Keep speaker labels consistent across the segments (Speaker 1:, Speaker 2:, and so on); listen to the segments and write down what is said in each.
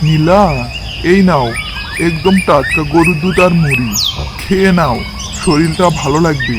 Speaker 1: নীলা, এই নাও একদম টাটকা গরুর দুধ আর মুড়ি, খেয়ে নাও, শরীরটা ভালো লাগবে।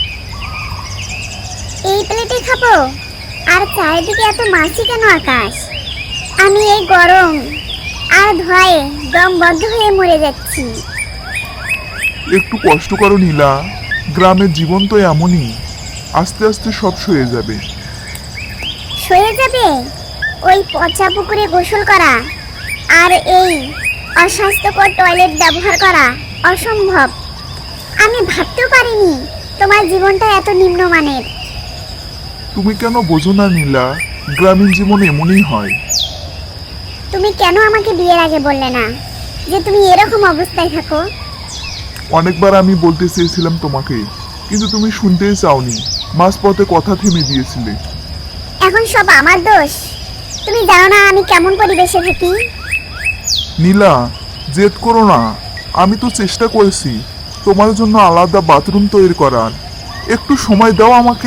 Speaker 2: এই প্লেটে খাবো? আর চারিদিকে এত মাছি কেন আকাশ? আমি এই গরম আর ধোঁয়ায় দম বন্ধ হয়ে মরে যাচ্ছি।
Speaker 1: একটু কষ্ট করো নীলা, গ্রামের জীবন তো এমনই, আস্তে আস্তে সব সয়ে যাবে।
Speaker 2: সয়ে যাবে? ওই পচা পুকুরে গোসল করা আর এই অস্বাস্থ্যকর টয়লেট ব্যবহার করা অসম্ভব। আমি ভাবতেও পারিনি তোমার জীবনটা এত নিম্নমানের।
Speaker 1: তুমি কেন বোঝো না নীলা, গ্রামীণ জীবন এমনই হয়।
Speaker 2: তুমি কেন আমাকে বিয়ের আগে বললে না যে তুমি এরকম অবস্থায় থাকো?
Speaker 1: অনেকবার আমি বলতে চেয়েছিলাম তোমাকে, কিন্তু তুমি শুনতেই চাওনি, মাঝপথে কথা থেমে দিয়েছিলে।
Speaker 2: এখন সব আমার দোষ? তুমি জানো না আমি কেমন পরিবেশে থাকি?
Speaker 1: নীলা, জেদ করো না, আমি তো চেষ্টা করেছি তোমার জন্য আলাদা বাথরুম তৈরি করার। একটু সময় দাও আমাকে।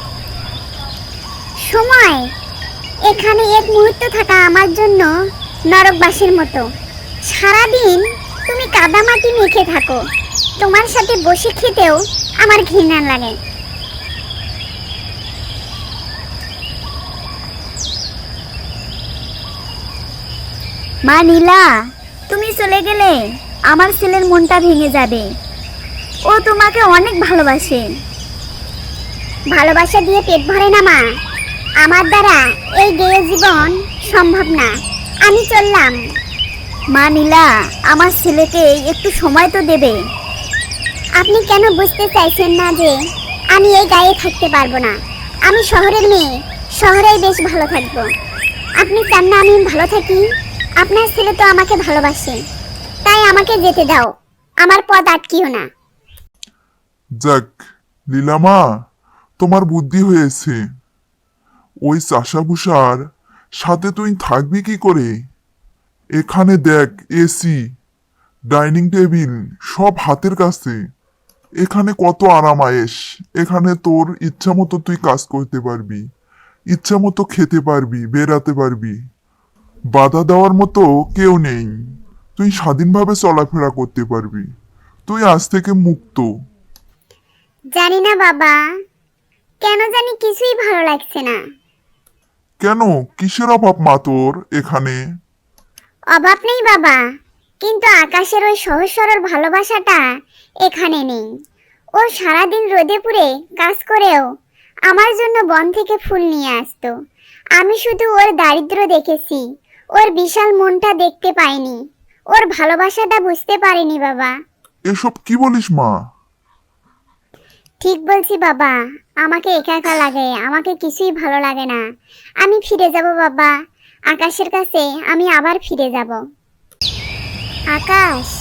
Speaker 2: সময়? এখানে এক মুহূর্ত থাকা আমার জন্য নরকবাসীর মতো। সারাদিন তুমি কাদামাটি মেখে থাকো, তোমার সাথে বসে খেতেও আমার ঘৃণা লাগে। মা নীলা, তুমি চলে গেলে আমার ছেলের মনটা ভেঙে যাবে। ও তোমাকে অনেক ভালোবাসে। ভালোবাসা দিয়ে পেট ভরে না মা, আমার দ্বারা এই গেয়ে জীবন সম্ভব না। আমি চললাম। মা নীলা, আমার ছেলেকে একটু সময় তো দেবে। আপনি কেন বুঝতে চাইছেন না যে আমি এই গায়ে থাকতে পারবো না? আমি শহরের মেয়ে, শহরেই বেশ ভালো থাকবো। আপনি চান না আমি ভালো থাকি? আপনার ছেলে তো আমাকে ভালোবাসে, তাই আমাকে যেতে দাও, আমার পথ আটকিও না।
Speaker 1: যাক লীলামা, তোমার বুদ্ধি হয়েছে। ওই চাষাভুষার সাথে তুই থাকবি কি করে? এখানে দেখ, এসি, ডাইনিং টেবিল সব হাতের কাছে। এখানে কত আরাম আয়েশ। এখানে তোর ইচ্ছা মতো তুই কাজ করতে পারবি, ইচ্ছা মতো খেতে পারবি, বেড়াতে পারবি। বাধা দেওয়ার মতো কেউ নেই। তুই স্বাধীনভাবে চলাফেরা করতে পারবি। তুই আজ থেকে মুক্ত।
Speaker 2: জানি না বাবা, কেন জানি কিছুই ভালো লাগছে না।
Speaker 1: কেন, কিসের অভাব মা তোর এখানে?
Speaker 2: অভাব নেই বাবা, কিন্তু আকাশের ওই সহজ সরল ভালোবাসাটা এখানে নেই। ও সারাদিন রোদে পুড়ে কাজ করেও আমার জন্য বন থেকে ফুল নিয়ে আসতো। আমি শুধু ওর দারিদ্র দেখেছি, ওর বিশাল মনটা দেখতে পাইনি, ওর ভালোবাসাটা বুঝতে পারিনি বাবা।
Speaker 1: এসব কি বলিস মা?
Speaker 2: ঠিক বলছি বাবা, আমাকে একা একা লাগে, আমাকে কিছুই ভালো লাগে না। আমি ফিরে যাব বাবা, আকাশের কাছে আমি আবার ফিরে যাব। আকাশ।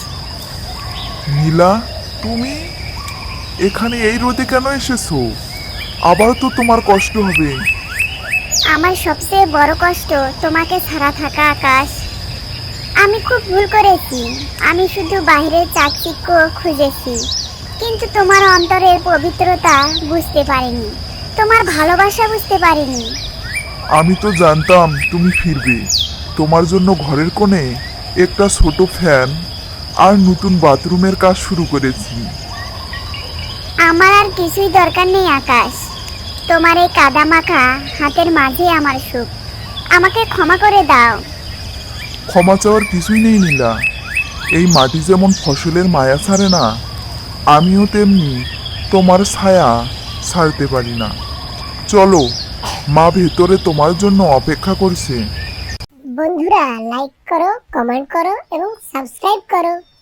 Speaker 1: নীলা, তুমি এখানে এই রোদে কেন এসেছো? আবার তো তোমার কষ্ট হবে।
Speaker 2: আমার সবচেয়ে বড় কষ্ট তোমাকে ছাড়া থাকা আকাশ। আমি খুব ভুল করেছি। আমি শুধু বাইরের চাকচিক্য খুঁজেছি, কিন্তু তোমার অন্তরের পবিত্রতা বুঝতে পারিনি, তোমার ভালোবাসা বুঝতে পারিনি।
Speaker 1: আমি তো জানতাম তুমি ফিরবে। তোমার জন্য ঘরের কোণে একটা ছোট ফ্যান আর নতুন বাথরুমের কাজ শুরু করেছি।
Speaker 2: আমার আর কিছুই দরকার নেই আকাশ, তোমার এই কাদা মাখা হাতের মাঝে আমার সুখ। আমাকে ক্ষমা করে দাও।
Speaker 1: ক্ষমা চাওয়ার কিছুই নেই নীলা। এই মাটি যেমন ফসলের মায়া ছাড়ে না, আমিও তেমনি তোমার ছায়া ছাড়তে পারি না। চলো, মা ভেতরে তোমার জন্য অপেক্ষা করছে।
Speaker 2: বন্ধুরা, লাইক করো, কমেন্ট করো এবং সাবস্ক্রাইব করো।